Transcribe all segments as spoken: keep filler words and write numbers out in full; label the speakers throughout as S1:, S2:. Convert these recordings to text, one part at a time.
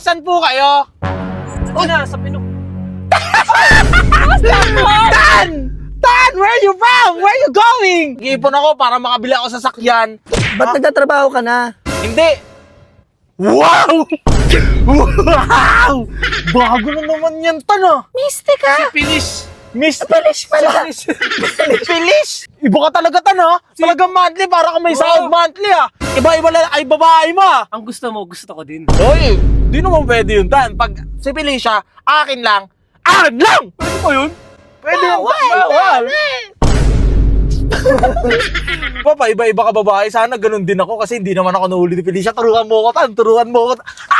S1: Asan po kayo?
S2: Ito na, sa pinok.
S1: Tan! Tan! Where are you from? Where are you going? Iipon ako para makabili ako sa sakyan.
S3: Ba't nagtatrabaho ka na?
S1: Hindi! Wow! Wow! Bago na naman yan, Tan ah!
S3: Mystic ka!
S2: Pilis.
S1: Miss
S3: Pilis pala!
S1: Pilis! Iba ka talaga, Tan ah! Talagang monthly, para kang may sahod monthly ah! Iba-iba lang ay babae mo ah!
S2: Ang gusto mo, gusto ko din.
S1: Hoy! Di naman pwede yun, Tan. Pag si Felicia, akin lang, akin lang!
S2: Pwede po yun?
S1: Pwede yun, bawal! Papa, iba-iba ka babae. Sana ganun din ako kasi hindi naman ako nahuli ni Felicia. Turuan mo ko, Tan. Turuan mo ko.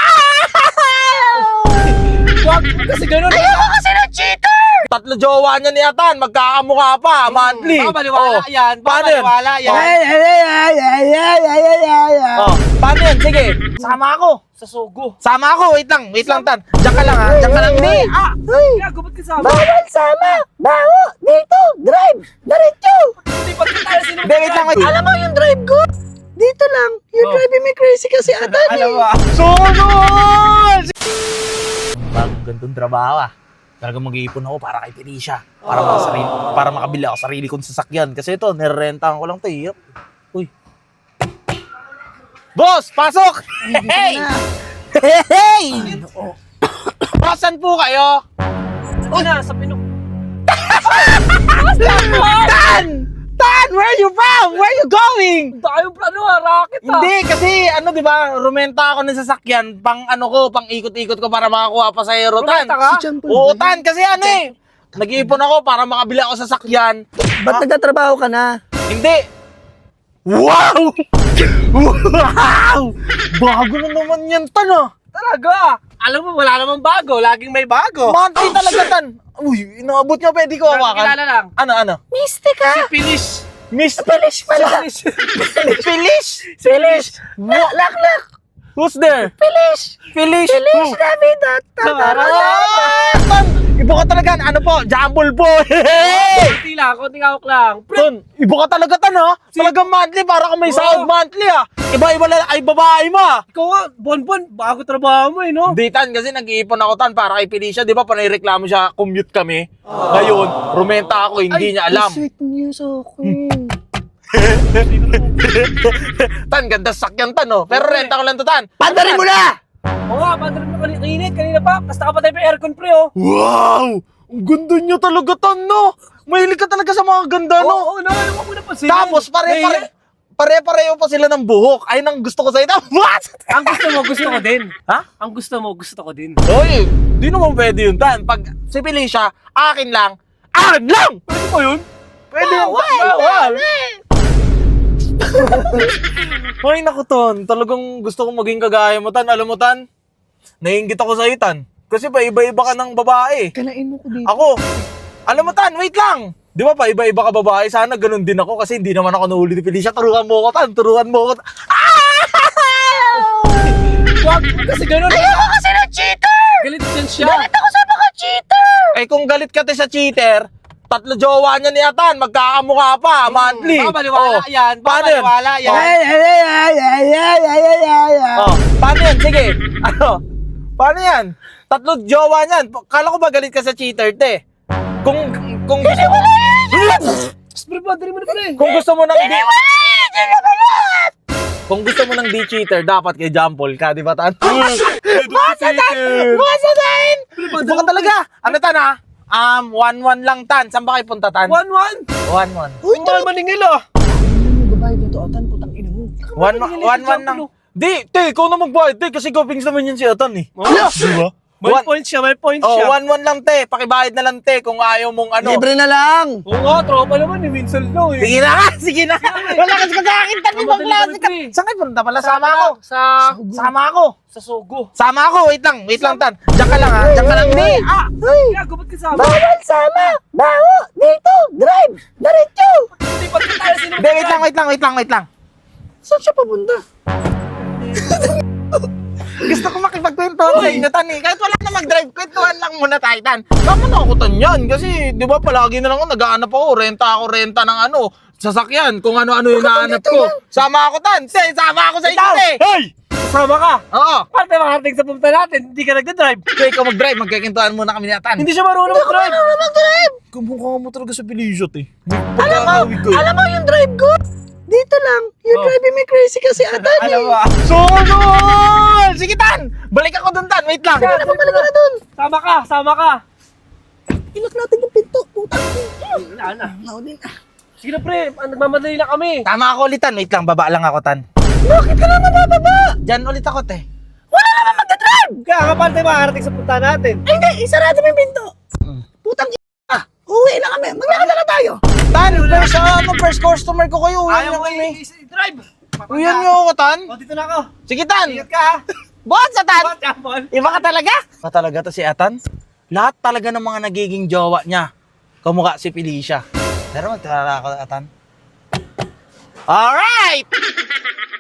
S2: Wag, kasi ganun.
S3: Ayoko kasi ng cheater!
S1: Tatlo jowa niya ni Atan. Magkakamukha pa. Monthly.
S2: Baka baliwala
S1: Oh.
S2: yan. Baka
S1: Paano yun?
S2: baliwala yan.
S3: Ay, ay, ay, ay, ay, ay, ay, ay, ay, ay.
S1: Oh. Paano yun? Sige. Sama ako.
S2: Sa sugo.
S1: Sama ako. Wait lang. Wait lang, Tan. Diyan ka lang, ha? Diyan ka lang. Hindi. Ah.
S3: Uy,
S2: Gago, ba't kasama?
S3: bawal sama! Bawo! Dito! Drive! Diretso!
S2: Hindi pa tayo sino.
S1: Hindi, wait lang. Wait.
S3: Alam mo yung drive ko? Dito lang. You're
S2: Oh.
S3: driving me crazy kasi atan
S2: Alam mo
S3: eh.
S2: ah.
S1: Sunod! Bagong gantong trabaho ah. Talagang mag-iipon ako para kay Felicia. Para,
S2: Oh.
S1: sarili, para makabili ako sarili kong sasakyan. Kasi ito, nirerentahan ko lang ito eh. Uy. Boss! Pasok! Hey! Hey! Asan po kayo?
S2: Ito na, sa pinok.
S1: Tan! Tan! Where are you from? Where are you going?
S2: Tayo plano ah, racket ah.
S1: Hindi, kasi ano, di ba, rumenta ako ng sasakyan, pang ano ko, pang ikot-ikot ko para makakuha pa sa aero, Tan.
S2: Rumenta ka?
S3: Si John Paul
S1: Oo,
S3: ba?
S1: Tan, kasi ano eh, nag-iipon ako para makabili ako sa sasakyan.
S3: Ba't nagtatrabaho ka na?
S1: Hindi. Wow! Wow! Bago na naman yan, Tan ah.
S2: Talaga. Alam mo, wala namang bago. Laging may bago.
S1: Monthly talaga, Tan. Uy, inaabot nyo, pwede ko hawakan.
S2: Kilala lang.
S1: Ano, ano?
S3: Mystic ka!
S2: Pilis.
S1: Miss
S3: Pilis pala!
S2: Pilis.
S1: Felish!
S3: Pilis! Lak, lak, lak!
S1: Who's there?
S3: Pilis!
S1: Felish!
S3: Pilis Navidad!
S1: Ah, Tan! Iba ka talaga. Ano po? Jumble po. Hey!
S2: Konti lang, konting hawak lang.
S1: Ton, iba ka talaga, Tan, ha? Talagang monthly, para kang may
S2: Oo.
S1: sahod monthly, ah. Iba-iba lang ay babae mo, ah.
S2: Ikaw nga, bon-bon, bago trabaho mo eh, no?
S1: Hindi, Tan, kasi nag-iipon ako, Tan, para kay Felicia. Di ba, panireklamo siya, commute kami. Ngayon, rumenta ako, hindi niya alam.
S3: Sweet news akin.
S1: Tan, ganda sakyan, Tan, oh. Pero
S2: Oo,
S1: renta ko lang to, Tan.
S3: Pandarin mo na!
S2: Oo nga, pandarin mo kanina, kanina, kanina pa. Tapos nakapatay pa yung aircon pre, oh.
S1: Wow! Ang ganda niya talaga, Tan, no? Mahilig ka talaga sa mga ganda,
S2: Oo,
S1: no?
S2: oo, na, ano ko napansin.
S1: Tapos, pare-pare, pare-pareho pa sila ng buhok. Ayun ang gusto ko sa ito. What?
S2: Ang gusto mo, gusto ko din.
S1: Ha?
S2: Ang gusto mo, gusto ko din.
S1: Hoy, di naman pwede yun, Tan. Pag si Felicia, akin lang, akin lang!
S2: Pwede po yun?
S1: Pwede yun, Tan. Bawal! Hoy, naku, Ton. Talagang gusto kong maging kagaya mo, Tan. Alam mo, Tan, naiingit ako sa'yo, Tan. Kasi pa iba-iba ka ng babae.
S3: Kanain mo ko dito.
S1: Ako, alam mo, Tan, wait lang. Di ba pa iba-iba ka babae? Sana ganun din ako kasi hindi naman ako nahuli ni Felicia. Turuan mo ko, Tan. Turuan mo ko.
S2: Wag, kasi ganun.
S3: Ayoko kasi ng cheater!
S2: Galit din siya.
S3: Galit ako sa mga cheater!
S1: Eh, kung galit ka te sa cheater, tatlo jowa niya ni Atan, magkakamukha pa, monthly.
S2: Baka baliwala
S1: Oh,
S2: yan. Baka
S1: paano yun?
S2: baliwala yan.
S3: Ay, ay, ay, ay, ay, ay, ay, ay, ay, ay.
S1: Oh, paano yan? Sige. Ano? Paano yan? Tatlo jowa niyan. Kala ko ba galit ka sa cheater, te? Kung, kung gusto mo...
S2: Spray pa, dali mo na pre.
S1: Kung gusto mo ng di...
S3: Hindi naman lahat!
S1: Kung gusto mo ng di cheater, dapat kay Jampol ka, di ba, Tan?
S2: Basta tayo.
S1: Basta Tan! Iba ka talaga. Ano, Tan, ha? Um, one one lang, Tan. Saan ba kayo punta, Tan?
S2: One, one.
S1: one one.
S2: Uy, mahal maningil ah.
S3: Ano mo babae dito, Atan? Putang ina mo.
S1: One,
S2: Maningil
S1: one,
S2: si
S1: one lang.
S2: Jampol,
S1: Di, te, ikaw na magbayad, te, kasi gopings naman yan si Atan, eh.
S2: Oh.
S1: Di ba?
S2: May
S1: One-
S2: point siya, may point
S1: Oh,
S2: siya.
S1: one one lang, te. Pakibayad na lang, te, kung ayaw mong ano.
S3: Libre na lang!
S2: Oo nga, tropa naman eh. Minsan lang eh.
S1: Sige na nga, sige na nga. Wala kasi kakakin, Tan, ibang
S2: Mamadali
S1: klase
S2: kami,
S1: ka.
S2: pre.
S1: Saan kayo punta pala? Sama ako.
S2: Sa...
S1: Sama ako.
S2: Sa Sogo.
S1: Sama ako, wait lang, wait lang, Tan. Diyan ka lang, ha. Diyan ka lang, di. Ah,
S3: Ay!
S2: Gago, ba't kasama?
S3: Bawal sama! Bawo! Dito! Drive! Diretso!
S2: Hindi pa tayo sino.
S1: Hindi, wait lang, wait lang, wait lang, wait lang.
S3: Saan siya papunta?
S1: Gusto ko makipagkwentuhan sa inyo, Tan, eh. Kahit wala na mag-drive, kwentuhan lang muna tayo, Tan. Tama na ako, Tan, yan. Kasi, di ba, palagi na lang ako, nag-aanap ako, renta ako, renta ng ano, sasakyan, kung ano-ano yung naanap ko. Sama ako, Tan. Te, sama ako sa inyo, te.
S3: Hey!
S2: Sasama ka.
S1: Oo.
S2: Paano tayo makarating sa pumunta natin? Hindi ka nagda-drive.
S1: Kaya ikaw mag-drive, magkikintuan muna kami ni Atan.
S2: Hindi siya marunong mag-drive.
S3: Ano mag-drive?
S1: Kumukha mo talaga sa Pilisot eh.
S3: Alam mo, alam mo yung drive ko? Dito lang. You're
S2: Oh.
S3: driving me crazy kasi atan
S2: Alam
S3: eh.
S2: mo ah.
S1: Sunod! Sige, Tan! Balik ako dun, Tan. Wait lang.
S2: Yan,
S3: Ano balik ka na dun?
S2: Sama ka, sama ka.
S3: Ilak natin yung pinto. Puta.
S2: Wala na.
S3: Naudin na.
S2: Sige na pre, ah, nagmamadali na kami.
S1: Tama ako ulit, Tan. Wait lang, baba lang ako, Tan.
S3: Bakit ka naman bababa?
S1: Diyan ulit ako, te.
S3: Wala naman magdadrive!
S2: Kaya nga paano tayo makarating sa punta natin?
S3: Ay hindi, isarado mo yung pinto.
S1: Mm.
S3: Putang i***. Ah, uwi na kami. Maglakad na lang tayo.
S1: Tan, first, ano, first customer ko kayo. Uyan
S2: Ayaw
S1: niyo
S2: mo
S1: kami.
S2: i-drive.
S1: Uyan niyo ako, Tan.
S2: O, dito na ako.
S1: Sige, Tan.
S2: Ingat ka ha.
S1: Buhat sa Tan.
S2: What, Japon?
S1: Iba ka talaga? Iba talaga to si Atan. Lahat talaga ng mga nagiging jowa niya. Kamukha si Felicia. Pero magtara ako, Atan. Alright!